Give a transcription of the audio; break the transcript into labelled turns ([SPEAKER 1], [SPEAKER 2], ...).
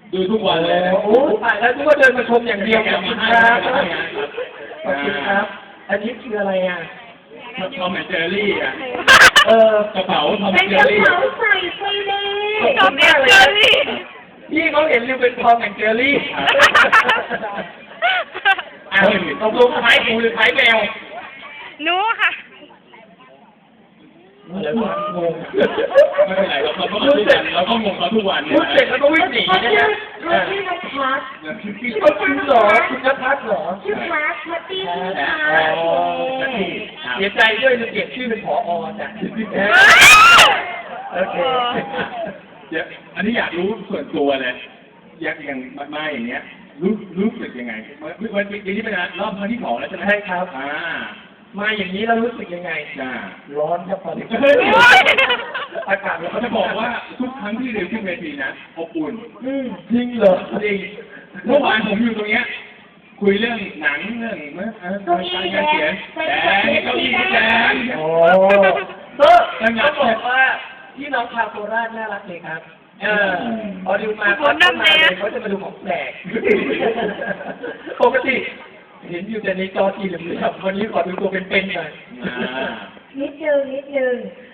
[SPEAKER 1] ดูทุกวันเลย
[SPEAKER 2] โอ้ตายแล้วทุกคนเดินมาชมอย่างเดียวขอบคุณครับขอบคุณครับ อันนี้คืออะไรอ่ะ
[SPEAKER 1] ทอมแอนด์เจอรี่อ่ะ กระเป๋าทอมแอ
[SPEAKER 3] เป็น
[SPEAKER 1] นด์เจ
[SPEAKER 3] ก
[SPEAKER 1] อ
[SPEAKER 3] ระ
[SPEAKER 1] รี่
[SPEAKER 3] เป๋าใส่ไปเลย
[SPEAKER 2] ขอบคุณมากเลยพี่เขาเห็นริวเป็นทอมแอนด์เจอรี่ตกลงคล้ายหมูหรือคล้ายแมว
[SPEAKER 4] หนูค่ะ
[SPEAKER 2] อะไรวะงง
[SPEAKER 1] ไม่เป็นไรเราก็มาทุกวันเราก็งงเขาทุกวัน
[SPEAKER 2] พูดเสร็จแล้วก็วิ่งหนี
[SPEAKER 3] เขา
[SPEAKER 2] นะ
[SPEAKER 3] ชื่อ
[SPEAKER 2] ฮะ
[SPEAKER 3] เขาชื่อนัทพัฒน์
[SPEAKER 2] เขาคุณเหรอคุณนภัสเหรอ
[SPEAKER 3] ชื่อพัฒน์พัตตี้ชื่อพัฒน์
[SPEAKER 2] เสียใจด้วยจะเปลี่ยนชื่อเป็นผอจ้ะโอเค
[SPEAKER 1] เดี๋ยวอันนี้อยากรู้ส่วนตัวเลยอย่างมาอย่างเงี้ยรู้สึกยังไงวันนี้เป็นรอบครั้งที่2แล้วใช่ไหม
[SPEAKER 2] ใช่ครับ มาอย่างนี้เรารู้สึกยังไง
[SPEAKER 1] จ้า
[SPEAKER 2] ร้อนครับตอนนี้อากาศ
[SPEAKER 1] เขาจะบอกว่าทุกครั้งที่เรียนขึ้นเวทีนะอบอุ่น
[SPEAKER 2] จริงเหรอจริง
[SPEAKER 1] เมื่อวานผมอยู่ตรงเนี้ยคุยเรื่องหนังเรื่องการเขียนแต่เก้าอี้แดง
[SPEAKER 2] โอ้ก็ต้องบอกว่าพี่น้องชาวโคราชน่ารักเลยครับพอดูมาเขาจะมาดูของแปลกปกติเห็นอยู่แต่ในจอทีเหลืองๆวันนี้ขอดูตัวเป็นๆหน่อย
[SPEAKER 3] นิดนึง